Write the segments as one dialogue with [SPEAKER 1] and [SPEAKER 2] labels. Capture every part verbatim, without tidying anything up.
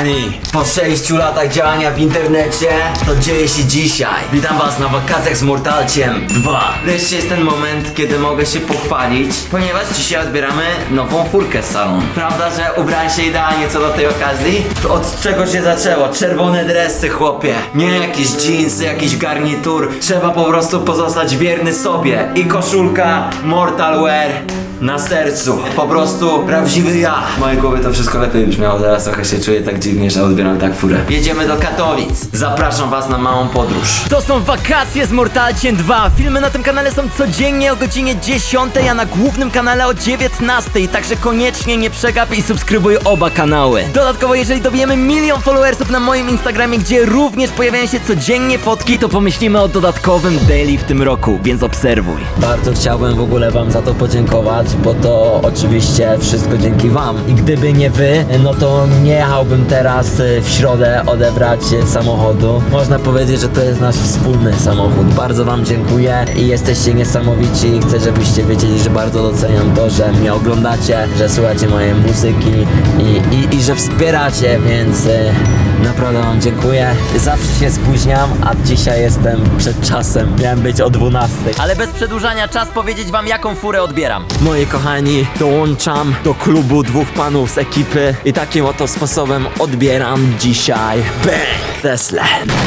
[SPEAKER 1] kochani, po sześciu latach działania w internecie, to dzieje się dzisiaj. Witam was na wakacjach z Mortalciem dwa. Wreszcie jest ten moment, kiedy mogę się pochwalić, ponieważ dzisiaj odbieramy nową furkę z salonu. Prawda, że ubrałem się idealnie co do tej okazji? To od czego się zaczęło? Czerwone dresy, chłopie. Nie jakieś dżinsy, jakiś garnitur. Trzeba po prostu pozostać wierny sobie. I koszulka Mortal Wear na sercu. Po prostu prawdziwy ja. W mojej głowie to wszystko lepiej brzmiało. Teraz trochę się czuję tak dziwnie, że odbieram tak furę. Jedziemy do Katowic. Zapraszam was na małą podróż.
[SPEAKER 2] To są wakacje z Mortalciem dwa. Filmy na tym kanale są codziennie o godzinie dziesiątej, a na głównym kanale o dziewiętnastej. Także koniecznie nie przegap i subskrybuj oba kanały. Dodatkowo, jeżeli dobijemy milion followersów na moim Instagramie, gdzie również pojawiają się codziennie fotki, to pomyślimy o dodatkowym daily w tym roku, więc obserwuj.
[SPEAKER 1] Bardzo chciałbym w ogóle wam za to podziękować, bo to oczywiście wszystko dzięki wam. I gdyby nie wy, no to nie jechałbym teraz w środę odebrać samochodu. Można powiedzieć, że to jest nasz wspólny samochód. Bardzo wam dziękuję i jesteście niesamowici i chcę, żebyście wiedzieli, że bardzo doceniam to, że mnie oglądacie, że słuchacie mojej muzyki i, i, i że wspieracie, więc y, naprawdę wam dziękuję. Zawsze się spóźniam, a dzisiaj jestem przed czasem. Miałem być o dwunastej.
[SPEAKER 2] Ale bez przedłużania, czas powiedzieć wam, jaką furę odbieram.
[SPEAKER 1] Moi kochani, dołączam do klubu dwóch panów z ekipy i takim oto sposobem odbieram dzisiaj Bang Tesla.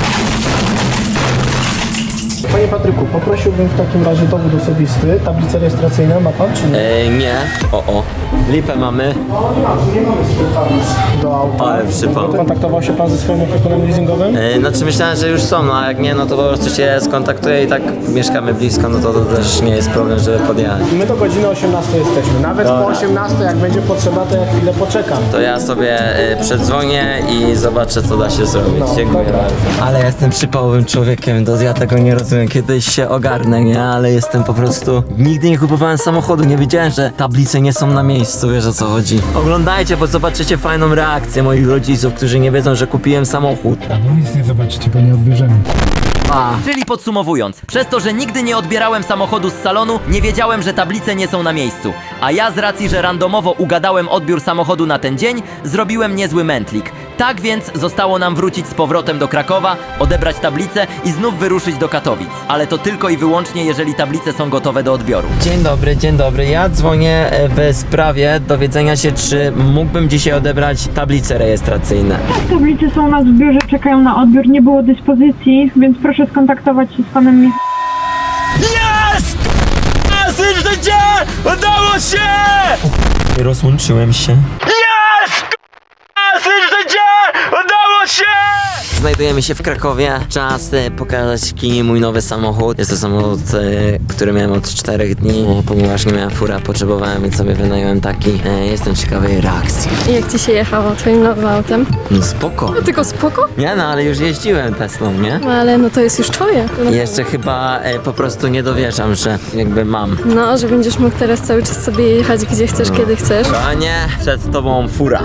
[SPEAKER 3] Panie Patryku, poprosiłbym w takim razie dowód osobisty, tablicę rejestracyjną ma pan czy nie?
[SPEAKER 1] Eee, nie. O, o. Lipę mamy.
[SPEAKER 3] No nie ma, tu nie mamy z tablic do auta.
[SPEAKER 1] Ale przypał.
[SPEAKER 3] Kontaktował się pan ze swoim opiekunem leasingowym?
[SPEAKER 1] Eee, znaczy myślałem, że już są, no a jak nie, no to po prostu się skontaktuję i tak mieszkamy blisko, no to, to też nie jest problem, żeby podjechać.
[SPEAKER 3] My do godziny osiemnastej jesteśmy. Nawet
[SPEAKER 1] Dobra.
[SPEAKER 3] po osiemnastej, jak będzie potrzeba, to ja chwilę poczekam.
[SPEAKER 1] To ja sobie e, przedzwonię i zobaczę, co da się zrobić.
[SPEAKER 3] No,
[SPEAKER 1] Dziękuję
[SPEAKER 3] dobra.
[SPEAKER 1] bardzo. Ale jestem przypałowym człowiekiem, to ja tego nie rozumiem. Kiedyś się ogarnę, nie? Ale jestem po prostu... Nigdy nie kupowałem samochodu, nie wiedziałem, że tablice nie są na miejscu, wiesz o co chodzi. Oglądajcie, bo zobaczycie fajną reakcję moich rodziców, którzy nie wiedzą, że kupiłem samochód.
[SPEAKER 3] No nic nie zobaczycie, bo nie odbierzemy.
[SPEAKER 1] A.
[SPEAKER 2] Czyli podsumowując, przez to, że nigdy nie odbierałem samochodu z salonu, nie wiedziałem, że tablice nie są na miejscu. A ja z racji, że randomowo ugadałem odbiór samochodu na ten dzień, zrobiłem niezły mętlik. Tak więc zostało nam wrócić z powrotem do Krakowa, odebrać tablice i znów wyruszyć do Katowic. Ale to tylko i wyłącznie, jeżeli tablice są gotowe do odbioru.
[SPEAKER 1] Dzień dobry, dzień dobry. Ja dzwonię w sprawie dowiedzenia się, czy mógłbym dzisiaj odebrać tablice rejestracyjne.
[SPEAKER 4] Tablice są u nas w biurze, czekają na odbiór, nie było dyspozycji, więc proszę skontaktować się z panem Mich-
[SPEAKER 1] Jest! Jest życie! Udało się! Rozłączyłem się. Jest! Jest życie! Udało się! Znajdujemy się w Krakowie. Czas e, pokazać Kini mój nowy samochód. Jest to samochód, e, który miałem od czterech dni, e, ponieważ nie miałem fura, potrzebowałem, więc sobie wynająłem taki. E, jestem ciekawy jej reakcji.
[SPEAKER 5] I jak ci się jechało twoim nowym autem?
[SPEAKER 1] No spoko.
[SPEAKER 5] No tylko spoko?
[SPEAKER 1] Nie no, ale już jeździłem Teslą, nie?
[SPEAKER 5] No ale no to jest już twoje. No,
[SPEAKER 1] I jeszcze chyba e, po prostu nie dowierzam, że jakby mam.
[SPEAKER 5] no, że będziesz mógł teraz cały czas sobie jechać gdzie chcesz, kiedy chcesz.
[SPEAKER 1] Panie, przed tobą fura.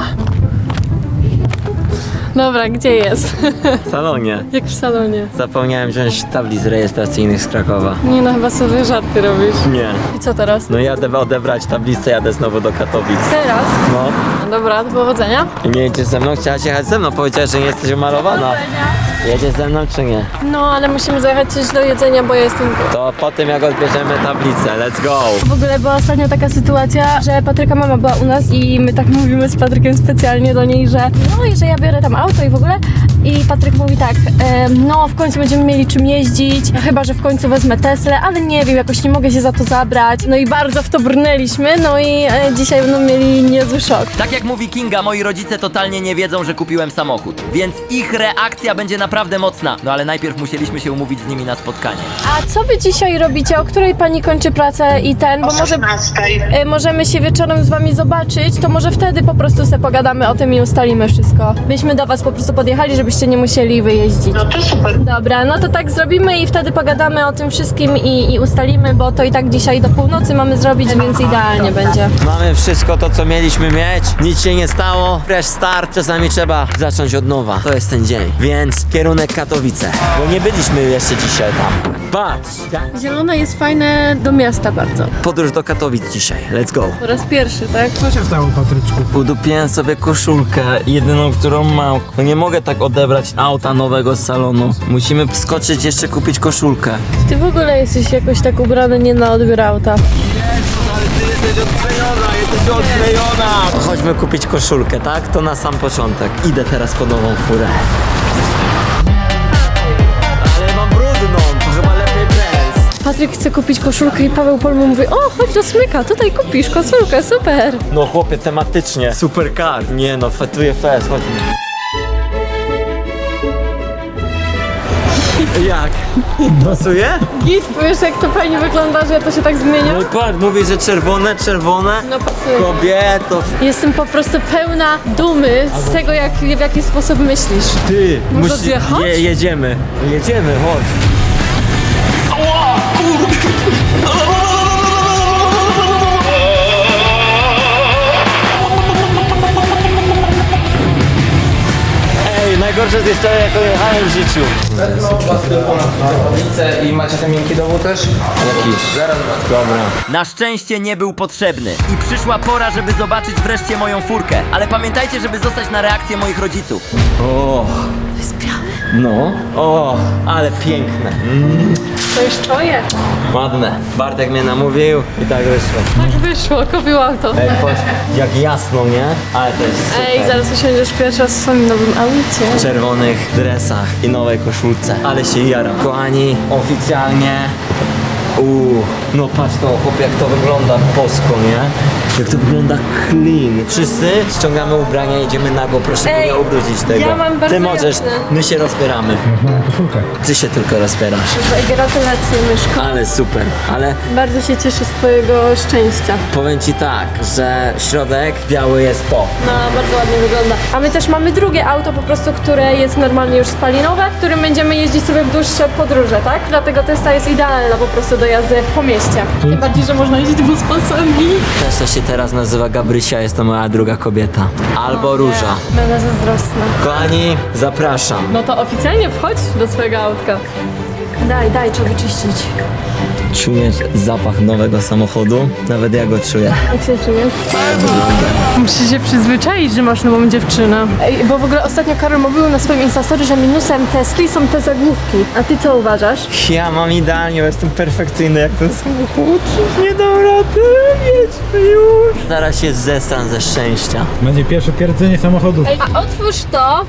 [SPEAKER 5] Dobra, gdzie jest?
[SPEAKER 1] W salonie.
[SPEAKER 5] Jak w salonie.
[SPEAKER 1] Zapomniałem wziąć tablic rejestracyjnych z Krakowa.
[SPEAKER 5] Nie no, chyba sobie żarty robisz.
[SPEAKER 1] Nie.
[SPEAKER 5] I co teraz?
[SPEAKER 1] No jadę odebrać tablicę, jadę znowu do Katowic.
[SPEAKER 5] Teraz?
[SPEAKER 1] No.
[SPEAKER 5] No dobra, do powodzenia.
[SPEAKER 1] I nie jedziesz ze mną? Chciałaś jechać ze mną, powiedziałaś, że nie jesteś umalowana. Jedziesz ze mną czy nie?
[SPEAKER 5] No, ale musimy zajechać coś do jedzenia, bo ja jestem...
[SPEAKER 1] To po tym jak odbierzemy tablicę, let's go!
[SPEAKER 5] W ogóle była ostatnio taka sytuacja, że Patryka mama była u nas i my tak mówimy z Patrykiem specjalnie do niej, że no i że ja biorę tam auto i w ogóle. I Patryk mówi tak, e, no w końcu będziemy mieli czym jeździć, chyba że w końcu wezmę Teslę, ale nie wiem, jakoś nie mogę się za to zabrać. No i bardzo w to brnęliśmy, no i e, dzisiaj będą mieli niezły szok.
[SPEAKER 2] Tak jak mówi Kinga, moi rodzice totalnie nie wiedzą, że kupiłem samochód. Więc ich reakcja będzie naprawdę mocna. No ale najpierw musieliśmy się umówić z nimi na spotkanie.
[SPEAKER 5] A co wy dzisiaj robicie? O której pani kończy pracę i ten? Bo może e, możemy się wieczorem z wami zobaczyć, to może wtedy po prostu sobie pogadamy o tym i ustalimy wszystko. Byśmy do was po prostu podjechali, żebyście żebyście nie musieli wyjeździć.
[SPEAKER 6] No to super.
[SPEAKER 5] Dobra, no to tak zrobimy i wtedy pogadamy o tym wszystkim i, i ustalimy, bo to i tak dzisiaj do północy mamy zrobić, więc idealnie będzie.
[SPEAKER 1] Mamy wszystko to, co mieliśmy mieć. Nic się nie stało. Fresh start. Czasami trzeba zacząć od nowa. To jest ten dzień. Więc kierunek Katowice. Bo nie byliśmy jeszcze dzisiaj tam. Patrz.
[SPEAKER 5] Zielone jest fajne do miasta bardzo.
[SPEAKER 1] Podróż do Katowic dzisiaj. Let's go.
[SPEAKER 5] Po raz pierwszy, tak?
[SPEAKER 3] Co się stało, Patryczku?
[SPEAKER 1] Udupiłem sobie koszulkę, jedyną, którą mam. No nie mogę tak odebrać auta nowego z salonu. Musimy wskoczyć jeszcze kupić koszulkę.
[SPEAKER 5] Ty w ogóle jesteś jakoś tak ubrany nie na odbiór auta.
[SPEAKER 1] Jesteś odklejona, jesteś odklejona! Chodźmy kupić koszulkę, tak? To na sam początek. Idę teraz po nową furę. Ale mam brudną, to chyba lepiej bez.
[SPEAKER 5] Patryk chce kupić koszulkę i Paweł Pol mu mówi: o, chodź do Smyka, tutaj kupisz koszulkę, super.
[SPEAKER 1] No chłopie, tematycznie. Super car. Nie no, fetuje fest, chodźmy. Jak? Pasuje?
[SPEAKER 5] Git, wiesz jak to fajnie wygląda, że to się tak zmienia?
[SPEAKER 1] No i patrz, mówi, że czerwone, czerwone.
[SPEAKER 5] No pasuje.
[SPEAKER 1] Kobieto.
[SPEAKER 5] Jestem po prostu pełna dumy z tego, jak, w jaki sposób myślisz.
[SPEAKER 1] Ty,
[SPEAKER 5] Można
[SPEAKER 1] musi-
[SPEAKER 5] zjechać?
[SPEAKER 1] Je, jedziemy. Jedziemy, chodź. Ej, najgorsze jest jeszcze jak jechałem w życiu.
[SPEAKER 7] I macie ten miękki dowód też?
[SPEAKER 1] Jaki?
[SPEAKER 7] Zaraz
[SPEAKER 1] Dobra.
[SPEAKER 2] Na szczęście nie był potrzebny i przyszła pora, żeby zobaczyć wreszcie moją furkę. Ale pamiętajcie, żeby zostać na reakcję moich rodziców.
[SPEAKER 1] O.
[SPEAKER 5] To jest białe.
[SPEAKER 1] No. O, ale piękne.
[SPEAKER 5] To już czuję.
[SPEAKER 1] Ładne. Bartek mnie namówił i tak wyszło.
[SPEAKER 5] Tak wyszło, kupił auto.
[SPEAKER 1] Ej, patrz, jak jasno, nie? Ale to jest super.
[SPEAKER 5] Ej, zaraz usiądziesz pierwszy raz w swoim nowym aucie.
[SPEAKER 1] W czerwonych dresach i nowej koszulce. Ale się jaram. Kochani, oficjalnie... Uuu, no patrz to, chłopie, jak to wygląda bosko, nie? Jak to wygląda clean. Wszyscy ściągamy ubrania, idziemy nago, proszę
[SPEAKER 5] Ej,
[SPEAKER 1] nie ubrudzić tego.
[SPEAKER 5] ja mam bardzo
[SPEAKER 1] Ty możesz,
[SPEAKER 5] jasne.
[SPEAKER 1] my się rozbieramy.
[SPEAKER 3] Koszulkę.
[SPEAKER 1] Ty się tylko rozbierasz.
[SPEAKER 5] Ej, gratulacje, myszko.
[SPEAKER 1] Ale super, ale
[SPEAKER 5] Bardzo się cieszę z twojego szczęścia.
[SPEAKER 1] powiem ci tak, że środek biały jest to.
[SPEAKER 5] No, bardzo ładnie wygląda. A my też mamy drugie auto po prostu, które jest normalnie już spalinowe, którym będziemy jeździć sobie w dłuższe podróże, tak? Dlatego Tesla jest idealna po prostu do jazdy po mieście. Tym bardziej, że można jeździć buspasami.
[SPEAKER 1] Tesla się teraz nazywa Gabrysia, jest to moja druga kobieta. Albo Róża.
[SPEAKER 5] Będę zazdrosna.
[SPEAKER 1] Kochani, zapraszam.
[SPEAKER 5] No to oficjalnie wchodź do swojego autka. Daj, daj, trzeba wyczyścić.
[SPEAKER 1] Czujesz zapach nowego samochodu? Nawet ja go czuję.
[SPEAKER 5] Jak się czujesz? Musisz się przyzwyczaić, że masz nową dziewczynę. Ej, bo w ogóle ostatnio Karol mówił na swoim Instastory, że minusem Tesli są te zagłówki. A ty co uważasz?
[SPEAKER 1] Ja mam idealnie, bo jestem perfekcyjny jak ten samochód. Nie dam rady, jedźmy już. Zaraz się zestan ze szczęścia.
[SPEAKER 3] Będzie pierwsze pierdzenie samochodu.
[SPEAKER 5] Ej, a otwórz to.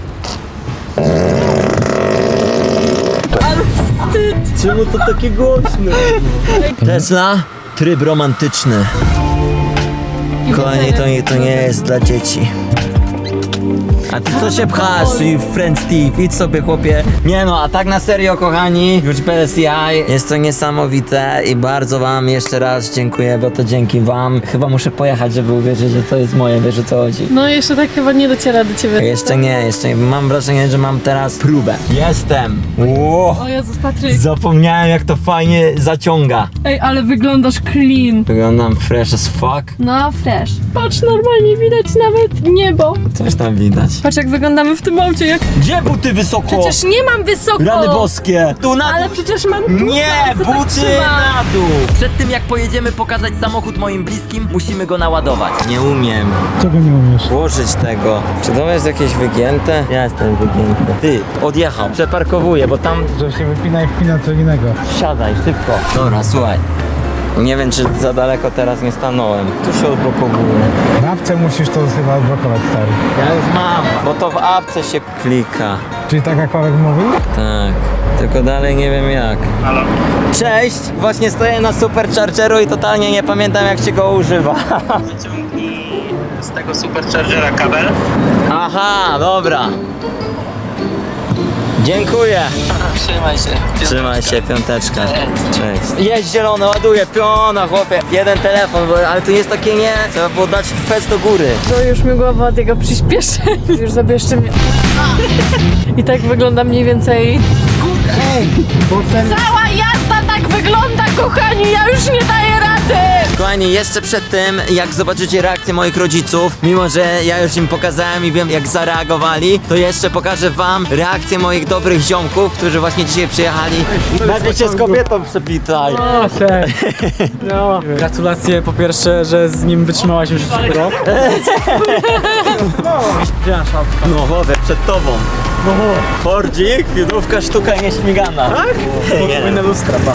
[SPEAKER 1] Czemu to takie głośne? Tesla, tryb romantyczny. Kochani, to nie, to nie jest dla dzieci. A ty co się pchasz, i friend Steve, idź sobie chłopie. Nie no, a tak na serio kochani, już bez jaj, jest to niesamowite i bardzo wam jeszcze raz dziękuję, bo to dzięki wam. Chyba muszę pojechać, żeby uwierzyć, że to jest moje, wiesz o co chodzi.
[SPEAKER 5] No jeszcze tak chyba nie dociera do ciebie.
[SPEAKER 1] Jeszcze nie, jeszcze nie, mam wrażenie, że mam teraz próbę. Jestem! Ło!
[SPEAKER 5] O Jezus, Patryk.
[SPEAKER 1] Zapomniałem jak to fajnie zaciąga.
[SPEAKER 5] Ej, ale wyglądasz clean.
[SPEAKER 1] Wyglądam fresh as fuck.
[SPEAKER 5] No, fresh. Patrz, normalnie widać nawet niebo.
[SPEAKER 1] Coś tam widać.
[SPEAKER 5] Patrz jak wyglądamy w tym aucie, jak...
[SPEAKER 1] Gdzie buty wysoko?
[SPEAKER 5] Przecież nie mam wysoko!
[SPEAKER 1] Rany boskie! Tu na
[SPEAKER 5] Ale
[SPEAKER 1] dół!
[SPEAKER 5] przecież mam tu
[SPEAKER 1] Nie,
[SPEAKER 5] bardzo tak
[SPEAKER 1] buty
[SPEAKER 5] trzyma.
[SPEAKER 1] na dół!
[SPEAKER 2] Przed tym jak pojedziemy pokazać samochód moim bliskim, musimy go naładować.
[SPEAKER 1] Nie umiem
[SPEAKER 3] Czego nie umiesz?
[SPEAKER 1] włożyć tego. Czy to jest jakieś wygięte? Ja jestem wygięty. Ty, odjechał. Przeparkowuję, bo tam...
[SPEAKER 3] Że się wypina i wpina co innego.
[SPEAKER 1] Siadaj, szybko. Dobra, słuchaj. Nie wiem, czy za daleko teraz nie stanąłem. Tu się odblokowuje.
[SPEAKER 3] Na apce musisz to chyba odblokować, stary.
[SPEAKER 1] Ja już mam, bo to w apce się klika.
[SPEAKER 3] Czyli tak jak Paweł mówił?
[SPEAKER 1] Tak, tylko dalej nie wiem jak. Halo? Cześć! Właśnie stoję na Superchargeru i totalnie nie pamiętam jak się go używa.
[SPEAKER 6] Wyciągnij z tego superchargera kabel.
[SPEAKER 1] Aha, dobra. Dziękuję.
[SPEAKER 6] Trzymaj się.
[SPEAKER 1] Trzymaj się, piąteczka. Cześć. Jest zielone, ładuję, piona, chłopie. Jeden telefon, bo, ale to jest takie nie. Trzeba było dać fest do góry.
[SPEAKER 5] To już mi głowa od jego przyspieszenia. Już zabierzcie mnie. I tak wygląda mniej więcej... Cała jazda tak wygląda, kochani, ja już nie daję rady!
[SPEAKER 1] Kochani, jeszcze przed tym, jak zobaczycie reakcję moich rodziców, mimo że ja już im pokazałem i wiem, jak zareagowali, to jeszcze pokażę wam reakcję moich dobrych ziomków, którzy właśnie dzisiaj przyjechali. Najpierw się z kobietą przepitaj.
[SPEAKER 8] O, cześć. No, gratulacje po pierwsze, że z nim wytrzymałaś już rok.
[SPEAKER 1] No chłopie, przed tobą. Fordzik, judówka, sztuka nieśmigana. Tak? Nie,
[SPEAKER 8] Powinna lustra, pa.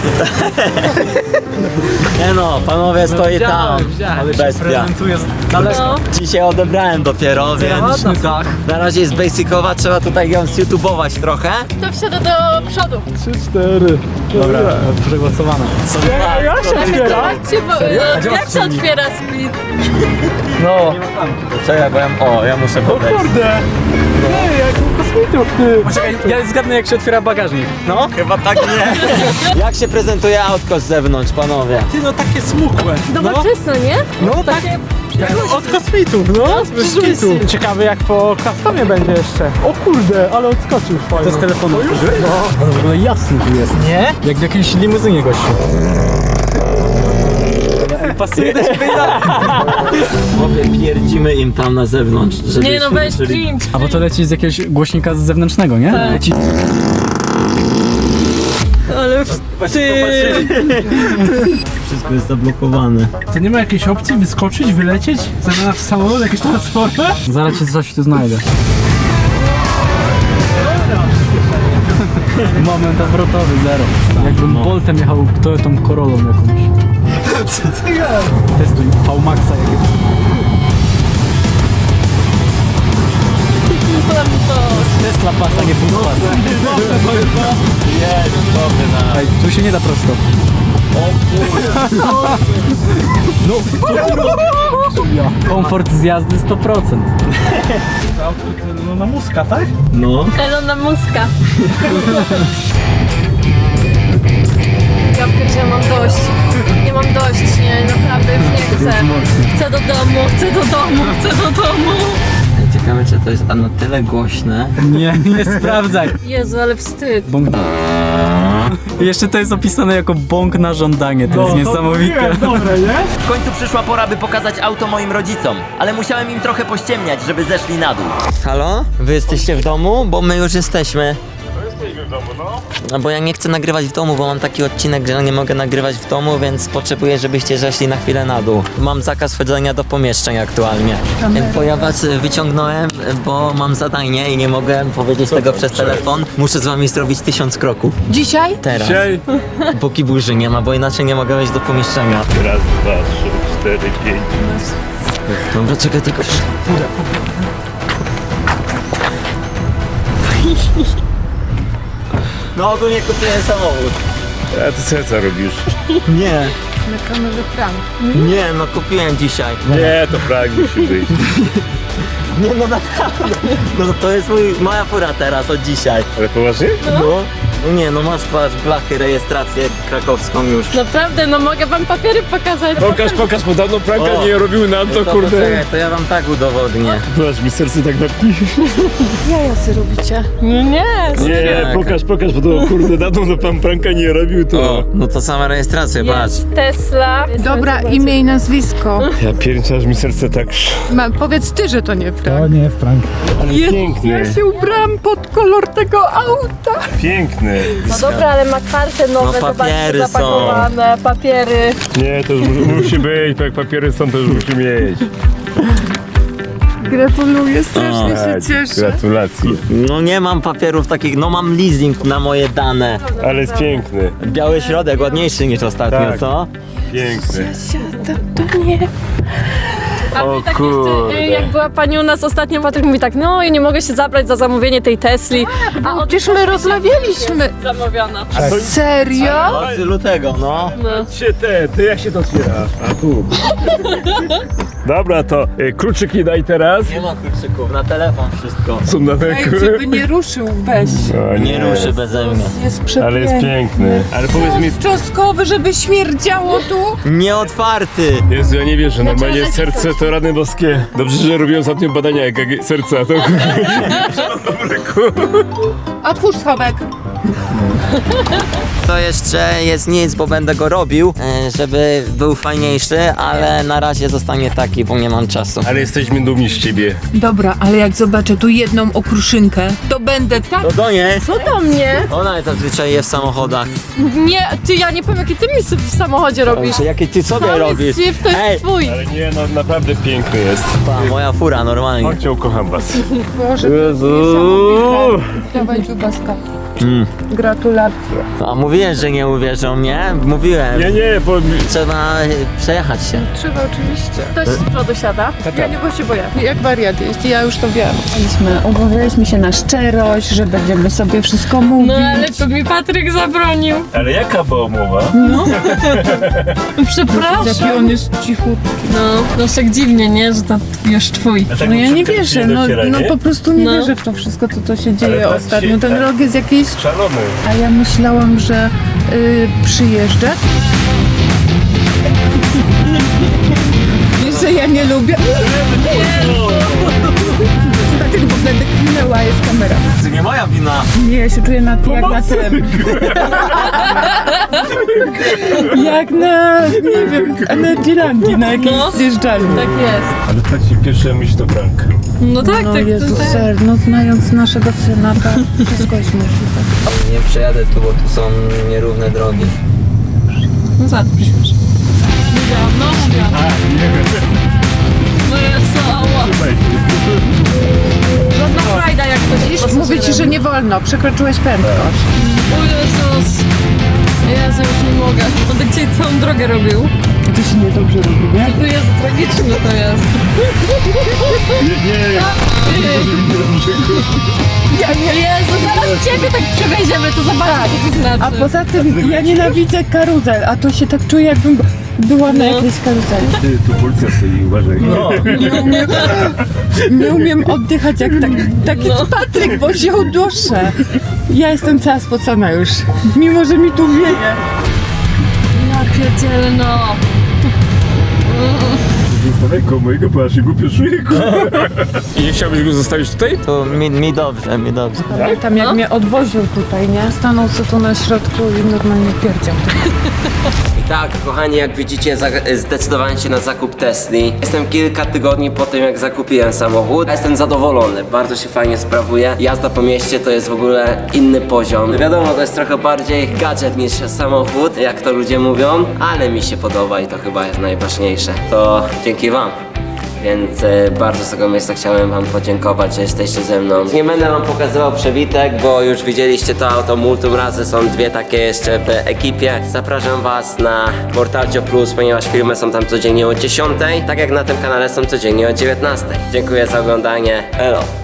[SPEAKER 1] nie no, panowie stoi tam.
[SPEAKER 8] Ale się
[SPEAKER 1] Bestia.
[SPEAKER 8] prezentuje z daleko.
[SPEAKER 5] No.
[SPEAKER 1] Dzisiaj odebrałem dopiero, więc
[SPEAKER 8] Ładny dach.
[SPEAKER 1] na razie jest basicowa, trzeba tutaj ją zYouTubować trochę.
[SPEAKER 5] To wsiada do przodu.
[SPEAKER 3] trzy, cztery.
[SPEAKER 8] Dobra, przegłosowane.
[SPEAKER 3] Jak się otwiera?
[SPEAKER 5] Zobaczcie, bo, e, jak się otwiera split?
[SPEAKER 8] No.
[SPEAKER 1] Czekaj, bo ja, o, ja muszę podejść.
[SPEAKER 3] Kurde! Ej, jak u kosmitów, ty!
[SPEAKER 8] Poczekaj, ja zgadnę jak się otwiera bagażnik. No?
[SPEAKER 1] Chyba tak nie. Jak się prezentuje autko z zewnątrz, panowie?
[SPEAKER 8] Ty, no takie smukłe.
[SPEAKER 5] Nowoczesne, nie?
[SPEAKER 8] No tak. Od kosmitów, no. Z kosmitów. Ciekawe jak po customie będzie jeszcze.
[SPEAKER 3] O kurde, ale odskoczył fajnie.
[SPEAKER 8] To z telefonu użyłeś? No. W ogóle jasny tu jest. Nie? Jak w jakiejś limuzynie gościu. Pasuje do siebie
[SPEAKER 1] Chłopie, pierdzimy im tam na zewnątrz, żeby
[SPEAKER 5] Nie no,
[SPEAKER 1] się
[SPEAKER 5] weź
[SPEAKER 1] uczyli.
[SPEAKER 5] cringe.
[SPEAKER 8] A bo to leci z jakiegoś głośnika z zewnętrznego, nie?
[SPEAKER 5] Tak.
[SPEAKER 8] Leci...
[SPEAKER 5] Ale
[SPEAKER 1] Wszystko jest zablokowane.
[SPEAKER 9] To nie ma jakiejś opcji wyskoczyć, wylecieć? Zamiast w samolot, jakieś transformy?
[SPEAKER 8] Zaraz ci coś tu znajdę. Moment obrotowy, zero. Jakbym Boltem jechał Toyotą Corollą jakąś. Co ty gadasz? Testuj V-Maxa jakiegoś. Tesla pasa, nie pół pasa.
[SPEAKER 1] Jest, dobry na...
[SPEAKER 8] Ej, tu się nie da prosto. No, komfort z jazdy sto procent.
[SPEAKER 9] No na muska, tak?
[SPEAKER 1] No.
[SPEAKER 5] Elona Muska. Ja pierdzie, mam dość. Nie mam dość, nie, naprawdę już nie chcę. Chcę do domu, chcę do domu, chcę do domu.
[SPEAKER 1] Ciekawe, czy to jest a na tyle głośne.
[SPEAKER 8] Nie, nie sprawdzaj.
[SPEAKER 5] Jezu, ale wstyd.
[SPEAKER 8] Bąk. I jeszcze to jest opisane jako bąk na żądanie, to jest niesamowite.
[SPEAKER 3] Dobre, nie?
[SPEAKER 2] W końcu przyszła pora, by pokazać auto moim rodzicom, ale musiałem im trochę pościemniać, żeby zeszli na dół.
[SPEAKER 1] Halo? Wy jesteście w domu? Bo my już jesteśmy. Jesteśmy w domu, no. No bo ja nie chcę nagrywać w domu, bo mam taki odcinek, że nie mogę nagrywać w domu, więc potrzebuję, żebyście zeszli na chwilę na dół. Mam zakaz wchodzenia do pomieszczeń aktualnie. Bo ja was wyciągnąłem, bo mam zadanie i nie mogę powiedzieć tego przez telefon. Muszę z wami zrobić tysiąc kroków.
[SPEAKER 10] Dzisiaj?
[SPEAKER 1] Teraz. Póki burzy nie ma, bo inaczej nie mogę wejść do pomieszczenia.
[SPEAKER 11] Raz, dwa, trzy, cztery, pięć.
[SPEAKER 1] Dobra, czekaj tylko. No ogólnie kupiłem samochód.
[SPEAKER 11] A ty co, co robisz?
[SPEAKER 1] Nie,
[SPEAKER 10] Na kamerze prank.
[SPEAKER 1] nie, no kupiłem dzisiaj.
[SPEAKER 11] Nie, to prank musi być.
[SPEAKER 1] Nie, no naprawdę. No to jest mój, moja fura teraz od dzisiaj.
[SPEAKER 11] Ale poważnie?
[SPEAKER 1] No. No nie, no masz patrz, blachy, rejestrację krakowską już.
[SPEAKER 5] Naprawdę, no mogę wam papiery pokazać.
[SPEAKER 11] Pokaż, pokaż, bo dawno pranka
[SPEAKER 1] O.
[SPEAKER 11] nie robił nam, to
[SPEAKER 1] To
[SPEAKER 11] kurde.
[SPEAKER 1] poczekaj, to ja wam tak udowodnię.
[SPEAKER 11] Aż mi serce tak napi.
[SPEAKER 10] Jaja robicie.
[SPEAKER 5] Nie,
[SPEAKER 11] Nie,
[SPEAKER 1] Tak.
[SPEAKER 11] pokaż, pokaż, bo to kurde dawno no pan pranka nie robił, to...
[SPEAKER 1] O, no to sama rejestracja, patrz.
[SPEAKER 5] jest Tesla.
[SPEAKER 10] Dobra, imię i nazwisko.
[SPEAKER 11] Ja pierniczę, aż mi serce tak...
[SPEAKER 10] Ma, powiedz ty, że to nie prank.
[SPEAKER 9] nie, Frank.
[SPEAKER 11] Ale piękny,
[SPEAKER 10] Ja się ubrałam pod kolor tego auta.
[SPEAKER 11] piękny.
[SPEAKER 5] No dobra, ale ma karty nowe,
[SPEAKER 1] No, papiery
[SPEAKER 5] zobaczcie, zapakowane, papiery.
[SPEAKER 11] Nie, to już mu- musi być, bo jak papiery są, to już musi mieć.
[SPEAKER 10] Gratuluję, strasznie
[SPEAKER 1] O,
[SPEAKER 10] się cieszę.
[SPEAKER 11] Gratulacje.
[SPEAKER 1] No nie mam papierów takich, no mam leasing na moje dane.
[SPEAKER 11] Ale jest piękny,
[SPEAKER 1] Biały środek, ładniejszy niż ostatnio,
[SPEAKER 11] Tak.
[SPEAKER 1] co?
[SPEAKER 11] piękny.
[SPEAKER 10] Siadam, to nie.
[SPEAKER 5] A
[SPEAKER 1] O
[SPEAKER 5] mi tak
[SPEAKER 1] kurde.
[SPEAKER 5] jeszcze, y, jak była pani u nas ostatnio, Patryk mówi tak, no i nie mogę się zabrać za zamówienie tej Tesli. A od
[SPEAKER 10] Przecież my rozmawialiśmy.
[SPEAKER 5] zamówiona.
[SPEAKER 10] Serio?
[SPEAKER 1] Od lutego, no.
[SPEAKER 11] Się te, ty jak się to otwiera? A tu. Dobra, to y, kluczyki daj teraz.
[SPEAKER 2] Nie ma kluczyków, na telefon wszystko.
[SPEAKER 11] Są na
[SPEAKER 10] Ej, żeby nie ruszył, weź.
[SPEAKER 11] O,
[SPEAKER 2] Nie ruszy beze mnie.
[SPEAKER 10] Jest przepiękny.
[SPEAKER 11] Ale jest piękny. Ale powiedz mi,
[SPEAKER 10] Czosnkowy, żeby śmierdziało tu.
[SPEAKER 2] Nieotwarty.
[SPEAKER 11] Jezu, ja nie wierzę, normalnie serce to rany boskie. Dobrze, że robiłem ostatnio badania E K G serca, to
[SPEAKER 10] Otwórz schowek.
[SPEAKER 2] To jeszcze jest nic, bo będę go robił, e, żeby był fajniejszy, ale na razie zostanie taki, bo nie mam czasu.
[SPEAKER 11] Ale jesteśmy dumni z ciebie.
[SPEAKER 10] Dobra, ale jak zobaczę tu jedną okruszynkę, to będę tak...
[SPEAKER 2] To do niej.
[SPEAKER 5] Co do mnie?
[SPEAKER 2] Ona zazwyczaj je w samochodach.
[SPEAKER 5] Nie, ty, ja nie powiem, jakie ty mi w samochodzie robisz.
[SPEAKER 2] Jakie ty sobie
[SPEAKER 5] Cały
[SPEAKER 2] robisz?
[SPEAKER 5] syf to jest
[SPEAKER 2] Ej,
[SPEAKER 5] twój.
[SPEAKER 11] Ale nie, no naprawdę piękny jest.
[SPEAKER 2] pa, moja fura normalnie.
[SPEAKER 11] Chodźcie, ukocham was.
[SPEAKER 10] Boże,
[SPEAKER 11] Jezu.
[SPEAKER 10] dawaj Lubaska.
[SPEAKER 2] Mm.
[SPEAKER 10] Gratulacje.
[SPEAKER 2] A mówiłem, że nie uwierzą mnie? Mówiłem.
[SPEAKER 11] Nie, nie, bo...
[SPEAKER 2] Trzeba e, przejechać się.
[SPEAKER 10] Trzeba oczywiście.
[SPEAKER 5] Ktoś z przodu siada.
[SPEAKER 10] Ja nie, bo się boję. Jak wariat jest, ja już to wiem. Umawialiśmy się na szczerość, że będziemy sobie wszystko mówić.
[SPEAKER 5] No ale to mi Patryk zabronił.
[SPEAKER 11] Ale jaka była umowa?
[SPEAKER 5] Przepraszam.
[SPEAKER 10] Jaki on jest cichutki.
[SPEAKER 5] No, no tak dziwnie, nie? Że to już twój.
[SPEAKER 11] A tak
[SPEAKER 10] No ja nie
[SPEAKER 11] szybko
[SPEAKER 10] wierzę,
[SPEAKER 11] się
[SPEAKER 10] no,
[SPEAKER 11] dociera,
[SPEAKER 10] no
[SPEAKER 11] nie?
[SPEAKER 10] po prostu nie
[SPEAKER 5] No.
[SPEAKER 10] wierzę w to wszystko, co to się dzieje
[SPEAKER 11] tak
[SPEAKER 10] ostatnio.
[SPEAKER 11] się-
[SPEAKER 10] Ten
[SPEAKER 11] tak.
[SPEAKER 10] rok jest jakiś...
[SPEAKER 11] Szalony.
[SPEAKER 10] A ja myślałam, że y, przyjeżdżę. Wiesz, że ja nie lubię. Dlatego w ogóle deklinęła jest kamera.
[SPEAKER 2] To nie moja wina.
[SPEAKER 10] Nie, ja się czuję na, jak na tym. Jak na, nie wiem, Energylandii, na jakiejś
[SPEAKER 5] No.
[SPEAKER 10] zjeżdżalni.
[SPEAKER 5] Tak jest.
[SPEAKER 11] Ale tak ci pierwsza myśl to prank.
[SPEAKER 5] No tak,
[SPEAKER 10] No
[SPEAKER 5] tak,
[SPEAKER 10] Jezu,
[SPEAKER 5] to tak.
[SPEAKER 10] ser, no znając naszego syna, to wszystko jest możliwe.
[SPEAKER 2] Nie przejadę tu, bo tu są nierówne drogi.
[SPEAKER 5] No za to przyśpiesz. Mówiłam, no mówiłam. No jest ała. Żadna frajda jak ktoś
[SPEAKER 10] Widzisz, mówię ci, że nie wolno, przekroczyłeś prędkość.
[SPEAKER 5] O Jezus. Jezu, już nie mogę. On tak dzisiaj całą drogę robił.
[SPEAKER 10] To się niedobrze robi, nie?
[SPEAKER 5] To jest tragiczne to jest.
[SPEAKER 11] Nie, nie,
[SPEAKER 10] Ja nie.
[SPEAKER 5] Jezu, zaraz ciebie tak przewieziemy, to zobaczycie, co to znaczy.
[SPEAKER 10] A poza tym ja nienawidzę karuzel, a to się tak czuję, jakbym była na jakiejś karuzeli.
[SPEAKER 11] Ty, tu policja stoi, uważaj.
[SPEAKER 2] No.
[SPEAKER 10] Nie umiem, nie umiem oddychać jak tak, taki
[SPEAKER 5] No.
[SPEAKER 10] Patryk, bo się uduszę. Ja jestem cała spocona już, mimo że mi tu wieje.
[SPEAKER 5] Ja pierdzielę, no.
[SPEAKER 11] Zostawaj mojego, bo ja się głupio czuję. I nie chciałbyś go zostawić tutaj?
[SPEAKER 2] To mi, mi dobrze, mi dobrze.
[SPEAKER 10] Pamiętam jak mnie odwoził tutaj, nie? Stanął sobie tu na środku i normalnie pierdział.
[SPEAKER 1] I tak, kochani, jak widzicie, za- zdecydowałem się na zakup Tesli. Jestem kilka tygodni po tym, jak zakupiłem samochód. Jestem zadowolony, bardzo się fajnie sprawuje. Jazda po mieście to jest w ogóle inny poziom. Wiadomo, to jest trochę bardziej gadżet niż samochód, jak to ludzie mówią, ale mi się podoba i to chyba jest najważniejsze. To dzięki wam. Więc e, bardzo z tego miejsca chciałem wam podziękować, że jesteście ze mną. Nie będę wam pokazywał przebitek, bo już widzieliście to auto multum razy, są dwie takie jeszcze w ekipie. Zapraszam was na Mortalcio Plus, ponieważ filmy są tam codziennie o dziesiątej, tak jak na tym kanale są codziennie o dziewiętnastej. Dziękuję za oglądanie, elo!